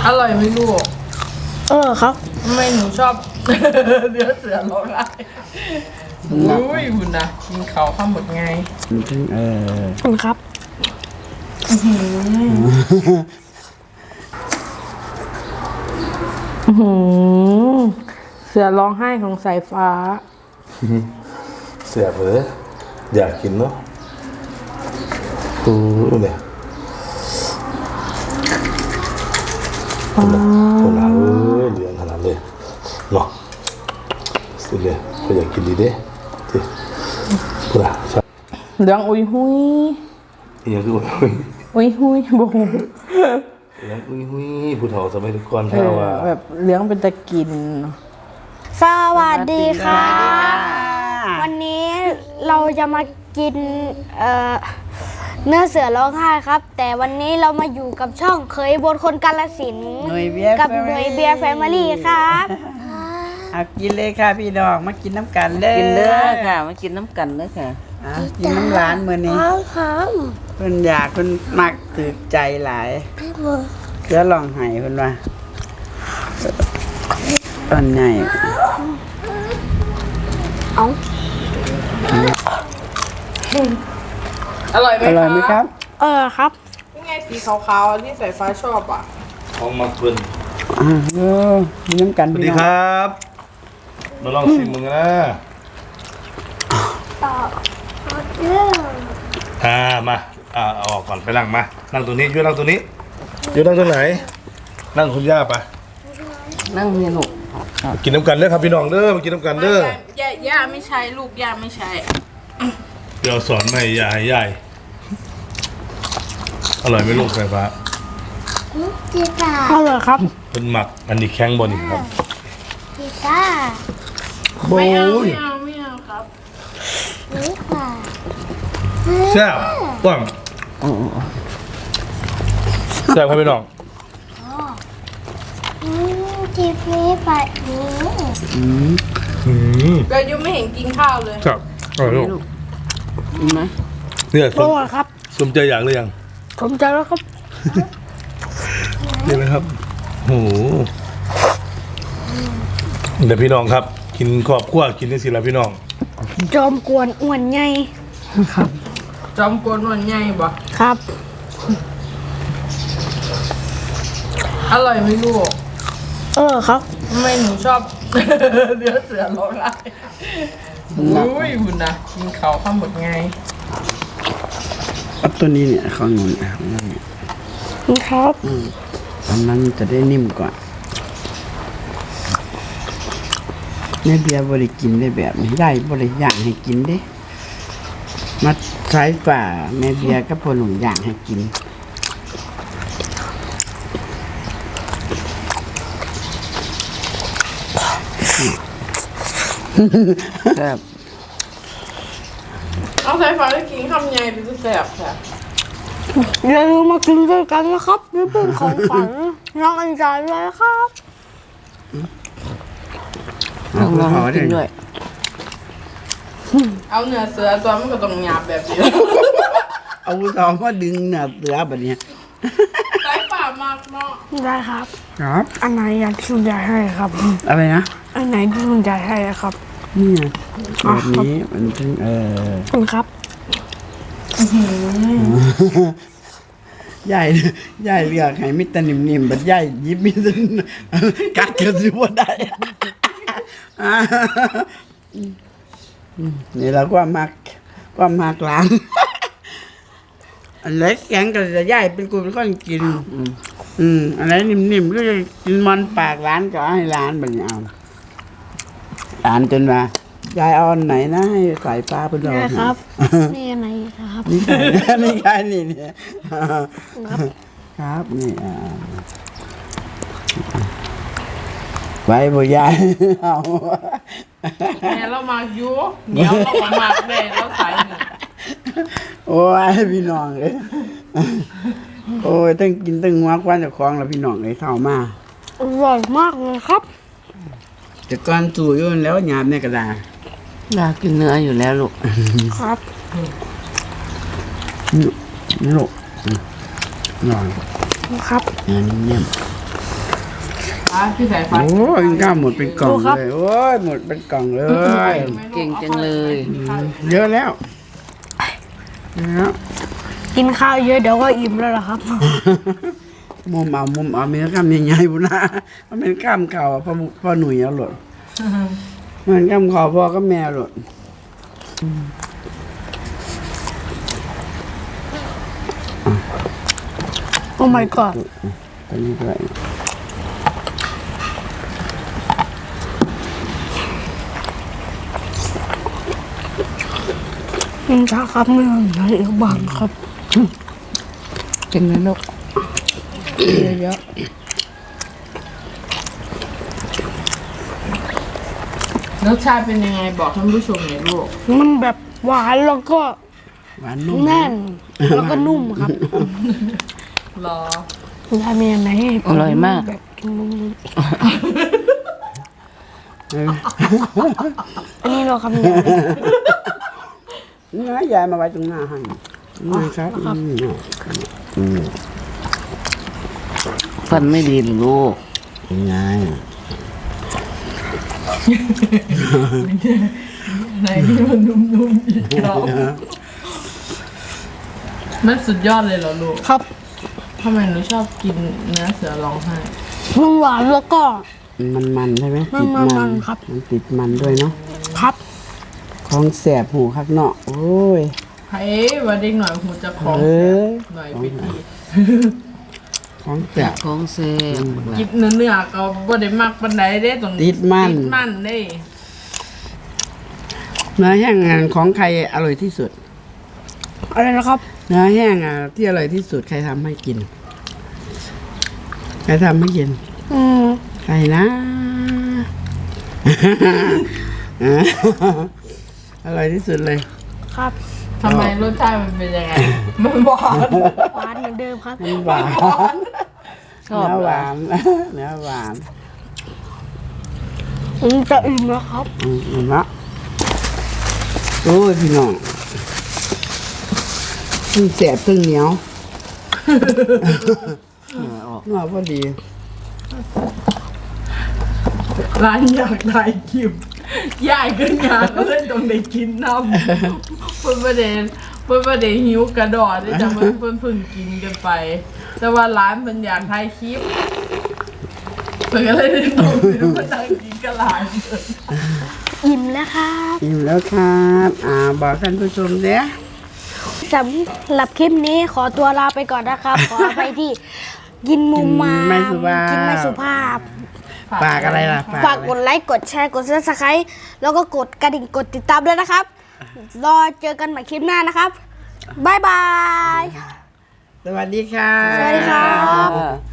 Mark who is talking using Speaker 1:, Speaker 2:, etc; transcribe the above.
Speaker 1: อร่อยไหมลูก
Speaker 2: ครับ
Speaker 1: ทำไมหนูชอบเนื้อเสือร้องไห้อุ้ยคุณนะกินเขาข้ามหมดไง
Speaker 2: คุณครับเสือร้องไห้ของสายฟ้า
Speaker 3: เสียบเลยอยากกินเนาะเนี่ยคนละเหลืองขนาดเลยเนาะสิเลยก็อยากกินดีเด้ที่คนละ
Speaker 2: เหลืองอุยหุย
Speaker 3: อย่างคือ
Speaker 2: อุยหุยบ่ฮู้
Speaker 3: เหลืองอุยหุยผู้เฒ่าสมัยทุกคนถ้าว่า
Speaker 2: แบบเหลืองเป็นตะกิน
Speaker 4: สวัสดีค่ะวันนี้เราจะมากินเนื้อเสือร้องไห้ครับแต่วันนี้เรามาอยู่กับช่องเคยบนคนกาฬสินธุ์กับหน่วยเบียร์แฟมิลี่ครับ
Speaker 5: กินเลยค่ะพี่น้องมากินน้ำกันเลย
Speaker 1: กินเนื้อค่ะมากินน้ำกันเลยค่ะ
Speaker 5: กินน้ำร้านมื้อนี้เพิ่นอยากเพิ่นมักถือใจหลายเสือร้องไห้เพิ่นว่าตอนใหญ่
Speaker 1: อร่อยไหม
Speaker 5: ครับ
Speaker 2: ครับ
Speaker 1: นี่ไงสีขาวๆที่สายฟ้าชอบอ่ะ
Speaker 3: ของมาเพิ่น
Speaker 5: กินน้ำกัน
Speaker 3: สวัสดีครับมาลองชิมมึงนะมาเอาออกก่อนไปนั่งมานั่งตรงนี้ยืนนั่งตรงนี้ยืนนั่งตรงไหนนั่งคุณย่าไป
Speaker 1: นั่งเมียหนุก
Speaker 3: กินน้ำกันเด้อครับพี่น้องเด้อมากินน้ำกันเด้
Speaker 1: อย่าไม่ใช่ลูกย่าไม่ใช่
Speaker 3: เดี๋ยวสอนใหม่ยายใหญ่อร่อยไหมลูกไฟฟ้า
Speaker 2: อร่อยครับ
Speaker 3: เป็นหมักอันนี้แข็งบนอีกครับ
Speaker 1: ไม่เอาครับ
Speaker 3: แซ่บต้มแซ่บครับพี่น้อง
Speaker 4: จีพีไป
Speaker 1: ก็ยังไม่เห็นกินข้าวเลย
Speaker 3: ครับอร่อยลูก
Speaker 1: กินไหม
Speaker 3: เนี่ย
Speaker 2: อร่อยครับ
Speaker 3: สมใจอยากหรือยัง
Speaker 2: สมใจแล้วครับ
Speaker 3: นี่นะครับโอ้โหเดี๋ยวพี่น้องครับกินครอบครัวกินได้สิละพี่น้อง
Speaker 4: จอมกวนอ้วนใหญ่
Speaker 2: ครับ
Speaker 1: จอมกวนอ้วนใหญ่บ่
Speaker 2: ครับ
Speaker 1: อร่อยไหมลูก
Speaker 2: ครับ
Speaker 1: ทำไมหนูชอบเนื้อเสือร้องไห้อุ้ยคุณนะกินเขาข้ามหมดไง
Speaker 5: ตัวนี้เนี่ยข้างนู้น
Speaker 2: ครับ
Speaker 5: อันนั้นจะได้นิ่มกว่าแม่เบียร์บริกินได้แบบนี้ได้บริย่างให้กินได้มาใช้ฝ่าแม่เบียร์ก็พอหนุ่มย่างให้กิน
Speaker 1: แบบเอาสายฟ้าได้กินคำใหญ่เป็นแสบค่ะ
Speaker 2: อย่าลืมมากินด้วยกันนะครับนี่เป็นของฝันน้องอันใจเลยครับ
Speaker 5: เอาขอกินด้วย
Speaker 1: เอาเนื้อเสือตัวมันก็ต้องหยาบแบบนี้
Speaker 5: เอาสองมาดึงเนื้อเสือแบบนี้
Speaker 1: สายฟ้ามากเนาะ
Speaker 2: ได้ครับ
Speaker 5: ครับ
Speaker 2: อันไหนอยากที่คุณยายให้ครับ
Speaker 5: อะไรนะ
Speaker 2: อันไหนที่คุณยายให้ครับ
Speaker 5: นี่ไงแบบนี้มันถึง
Speaker 2: คุณครับ
Speaker 5: ใหญ่เลือกให้มิตรนิ่มๆแบบใหญ่ยิบมิตรกัดกันสิว่าได้นี่เราก็มากล้างอันเล็กแข็งก็จะใหญ่เป็นกูเป็นคนกินอันไหนนิ่มๆก็จะกินมันปากร้านก็ให้ร้านแบบนี้เอาร้านจนว่ายายเอาอันไหนนะให้ใส่ปลาเป็นเรา
Speaker 2: ครับนี่อันไหนครับ
Speaker 5: นี่ใช่นี่เนี่ยครับนี่ไว้บ่ยายเอา
Speaker 1: แม่เรามาอยู่เดี๋ยวเราก็มาแม่เราใส่หนึ่ง
Speaker 5: โอ้ยพี่น้องเลยโอ้ยต้องกินต้องหัวควันจากคลองแล้วพี่น้องเลยเข้ามา
Speaker 2: อร่อยมากเลยครับ
Speaker 5: แต่ก่อนจู่ยุ่นแล้วหยาบในกระดาษ
Speaker 1: อยากกินเนื้ออยู่แล้วลูก
Speaker 2: ครับ
Speaker 5: นี่ลูกนอน
Speaker 2: ครับ
Speaker 5: เนื้อนิ่ม
Speaker 1: พี่สายฟ้า
Speaker 5: โอ้ยข้าวหมดเป็นกล่องเลยโอ้ยหมดเป็นกล่องเลย
Speaker 6: เก่งจังเลย
Speaker 5: เยอะแล้วแล้ว
Speaker 4: กินข้าวเยอะเดี๋ยวก็อิ่มแล้วล่ะครับ
Speaker 5: มุมเอามีข้ามใหญ่ๆบุญนะมันเป็นข้ามเข่าพ่อหนุ่ยเอาหลดมันข้ามเข่าพ่อก็แม่หลด
Speaker 4: โอ้ my god
Speaker 5: ตัวนี้ด้วย
Speaker 4: กินช้าครับไม่ไหนบางครับ
Speaker 6: กินเลยลูกเยอะ
Speaker 1: รสชาติเป็นยังไงบอกท่านผู้ชมหน่อยลูก
Speaker 4: มันแบบหวานแล้วก็
Speaker 5: หวานนุ่ม
Speaker 4: แน่นแล้วก็นุ่มครับ
Speaker 1: รอ
Speaker 4: ยายมีอันไหนให้ผ
Speaker 6: อร่อยมาก
Speaker 4: แบบกินนุ่ม
Speaker 5: เออ
Speaker 4: ๆอันนี้เราครับเนี่ย
Speaker 5: นี่นะยายมาไว้ตรงหน้าให้นี่ครับ
Speaker 6: ฟันไม่ดีหรือลูก
Speaker 5: ยังไง
Speaker 1: ไหนที่มันนุ่มๆอีกแล้วมันสุดยอดเลยเหรอลูก
Speaker 4: ครับ
Speaker 1: ทำไมหนูชอบกินเนื้อเสือร้องไห้
Speaker 4: มันหวานแล้วก็
Speaker 5: มันใช่ไหม
Speaker 4: มัน
Speaker 5: ติดมัน
Speaker 4: มันครับ
Speaker 5: มันติดมันด้วยเนาะ
Speaker 4: ครับ
Speaker 5: ของแสบหูคักเนาะโอ้ย
Speaker 1: เฮ้ยว่าเด็กหน่อยหูจะของ
Speaker 5: เอ้ย
Speaker 1: หน่อยไปดี
Speaker 5: ของแสบ
Speaker 6: ของเซ่
Speaker 1: กินเนื้อก็บ่ได้มักปานใดเด้ตรง
Speaker 5: ติดมัน
Speaker 1: ติดมันเด้
Speaker 5: เนื้อแห้งงานของใครอร่อยที่สุด
Speaker 4: อะไรนะครับ
Speaker 5: เนื้อแห้งอ่ะที่อร่อยที่สุดใครทำให้กิน ใครทำให้กิน ใครนะ อร่อยที่สุดเลย
Speaker 4: ครับ
Speaker 1: ทำไมรสชาติมันเป็นยังไง มันหวาน
Speaker 4: หวานเหมือนเดิมครับ
Speaker 5: มันหวาน
Speaker 6: ชอบ
Speaker 5: เนื้อ
Speaker 6: เห
Speaker 5: ห
Speaker 6: รอ
Speaker 5: วาน เนื้อหวาน
Speaker 4: จะอิ่มแล้วครับ
Speaker 5: เห็นปะโอ้ยพี่น้องมันแสบตึงเหนียว เนื้อพอดี
Speaker 1: ร้านอยากได้คิมย่ายขึ้นงานก็เล่นตรงได้กินน้ำเพิ่นประเด็นหิวกระดอดที่จะเพิ่นเพิ่งกินกันไป แต่ว่าร้านมันอยากถ่ายคลิปเพิ่นก็เลยได้ตรงนี้มานั่งกินกับหลาน
Speaker 4: อิ่มแล้วครับ
Speaker 5: อิ่มแล้วครับบอกท่านผู้ชมเด้
Speaker 4: สำหรับคลิปนี้ขอตัวลาไปก่อนนะครับ ขอไปที่กินมุมมาม
Speaker 5: ไม่สุภาพ
Speaker 4: กินไม่สุภาพ
Speaker 5: ฝากอะไรล่ะ
Speaker 4: ฝากกดไลค์ กดแชร์ กด subscribe แล้วก็กดกระดิ่ง กดติดตามด้วยนะครับ รอเจอกันใหม่คลิปหน้านะครับ บ๊ายบาย
Speaker 5: สวัสดีค่ะ
Speaker 4: สวัสดีครับ
Speaker 6: อ่า